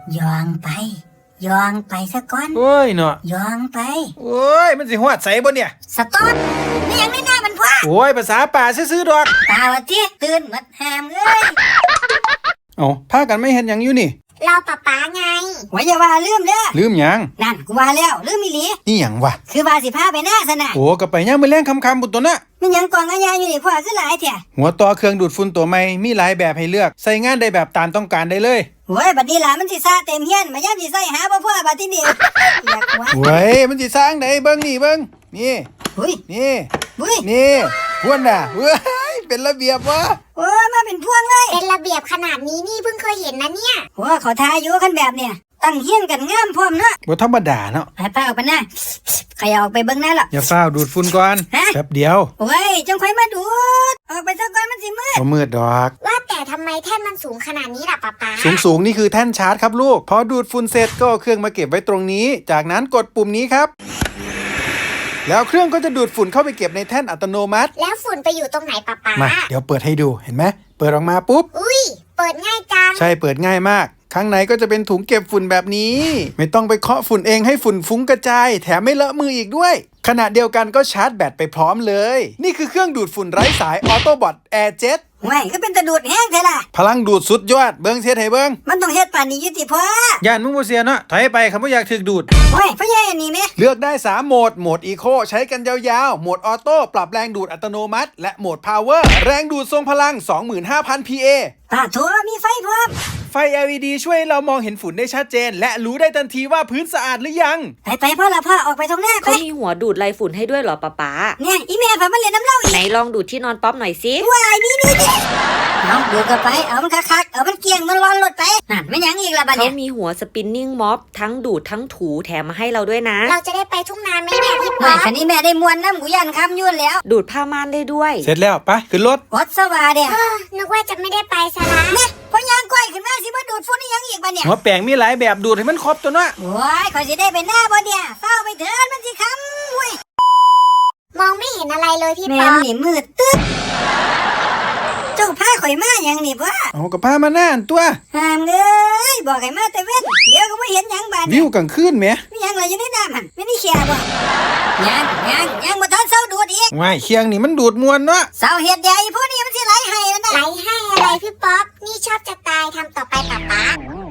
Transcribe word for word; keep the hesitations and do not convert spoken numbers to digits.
ยองไปยองไปซะก่อนโอ้ยเนาะยองไปโอ้ยมันสิฮอดใสบ่เนี่ยสต๊อปนี่ยังไม่น่ามันพ่อโอ้ยภาษาป่าซื่อๆดอกตาวะที่ตื่นมัดแฮมเอ้ยเอ้าพากันไม่เห็นหยังอยู่นี่เราป๊าป๊าไงว่าอย่าว่าลืมเด้อลืมหยังนั่นกูว่าแล้วลืมอีหลีนี่หยังวะคือว่าสิพาไปหน้าซะนะโอ้ก็ไปย่ามมื้อแลงค่ำๆบุตรตัวน่ะมันยังกองอาญาอยู่นี่พ่อคือหลายแท้หัวต่อเครื่องดูดฝุ่นตัวใหม่มีหลายแบบให้เลือกใส่งานได้แบบตามต้องการได้เลยโอ้ยบัดนี้ล่ะมันสิซ่าเต็มเฮียนมายามสิใส่หาบ่พ่อบัดทีนี้อยากว่าโอ้ยมันสิสร้างได้เบิ่งนี่เบิ่งนี่อุ้ยนี่อุ้ยนี่พวนน่ะเว้ยเป็นระเบียบวะโอ้มาเป็นพวงเลยเป็นระเบียบขนาดนี้นี่เพิ่งเคยเห็นนะเนี่ยโอ้เขาทาอยู่คันแบบเนี่ยตั้งเฮียนกันงามพร้อมเนาะบ่ธรรมดาเนาะไปป้าออกไปนะขยับออกไปเบิ่งหน้าล่ะอย่าฟ้าวดูดฝุ่นก่อนแป๊บเดียวโอ้ยจงค่อยมาดูดออกไปซะก่อนมันสิมืดบ่มืดดอกว่าแต่ทำไมแท่นมันสูงขนาดนี้ล่ะป๊าป๊าสูงๆนี่คือแท่นชาร์จครับลูกพอดูดฝุ่นเสร็จก็เอาเครื่องมาเก็บไว้ตรงนี้จากนั้นกดปุ่มนี้ครับแล้วเครื่องก็จะดูดฝุ่นเข้าไปเก็บในแท่นอัตโนมัติแล้วฝุ่นไปอยู่ตรงไหนป๊าป๊ามาเดี๋ยวเปิดให้ดูเห็นไหมเปิดออกมาปุ๊บอุ้ยเปิดง่ายจังใช่เปิดง่ายมากข้างในก็จะเป็นถุงเก็บฝุ่นแบบนี้ไม่ต้องไปเคาะฝุ่นเองให้ฝุ่นฟุ้งกระจายแถมไม่เลอะมืออีกด้วยขณะเดียวกันก็ชาร์จแบตไปพร้อมเลยนี่คือเครื่องดูดฝุ่นไร้สายออโตบอทแอร์เจ็ตไม่ก็เป็นตะดูดแห้งแท้ล่ะพลังดูดสุดยอดเบิ้งเสียให้เบิ้งมันต้องเฮ็ดป่านนี้อยู่ติพ่อย่านมึงบ่เสียเนาะถอยไปคำว่าอยากถึกดูดโอ้ยพ่อใหญ่อันนี้แม่เลือกได้สามโหมดโหมดอีโคใช้กันยาวๆโหมดออโต้ปรับแรงดูดอัตโนมัติและโหมดพาวเวอร์แรงดูดทรงพลัง สองหมื่นห้าพัน พี เอป้าโถมีไฟพร้อมไฟ แอล อี ดี ช่วยเรามองเห็นฝุ่นได้ชัดเจนและรู้ได้ทันทีว่าพื้นสะอาดหรือยังไปไปพ่อละพ่อออกไปตรงหน้าไปเขามีหัวดูดไรฝุ่นให้ด้วยเหรอป๊าป๊าเนี่ยอีแม่พามาเล่นน้ำเล่าอีกไหนลองดูดที่นอนป๊อปหน่อยสิว้ายนี่นี่นี่เอาดูกันไปเอามันคักๆเอามันเกียงมันร้อนรถไปนั่นไม่ยังอีกละบัดเนี่ยเขามีหัวสปินนิ่งม็อบทั้งดูดทั้งถูแถมมาให้เราด้วยนะเราจะได้ไปทุ่งนาไหมเนี่ยพี่ป๊อปคันนี้แม่ได้มวนน้ำกูยันคำยุ่นแล้วดูดผ้าม่านได้ด้วยเสร็จแล้วไปขึ้นรถอดสวาเดียนึกว่าจะไม่ได้ไปซะละเนี่ยพอยางก้อยขึ้นมาสิมาดูดฝุ่นนี่ยังอีกบัดเนี่ยหัวแปลงมีหลายแบบดูดให้มันครบตัวเนาะโอ้ยขอสิได้ไปหน้าบ่เนี่ยเฝ้าไปเถิดมันสิคำเว้ยมองไม่เห็นอะไรเลยพี่ป๊อปแม่นี่มืดตึ๊ดเจ้าพาข่อยมาอย่างนี่พ่อเอากับพามาหน้าอันตัวห้ามเลยบอกให้มาแต่เว้นเดี๋ยวก็ไม่เห็นยังบาดวิวกลางคืนไหมไม่ยังเลยอยู่ในน้ำหันไม่ได้แค่บ่ยังยังยังมาทอนเสาดูดอีกว้ายเคียงนี่มันดูดมวนเนาะเสาเห็ดใหญ่พวกนี้มันสิไหลให้แล้วนะไหลให้อะไรพี่ป๊อปนี่ชอบจะตายทำต่อไปป๊าป๊า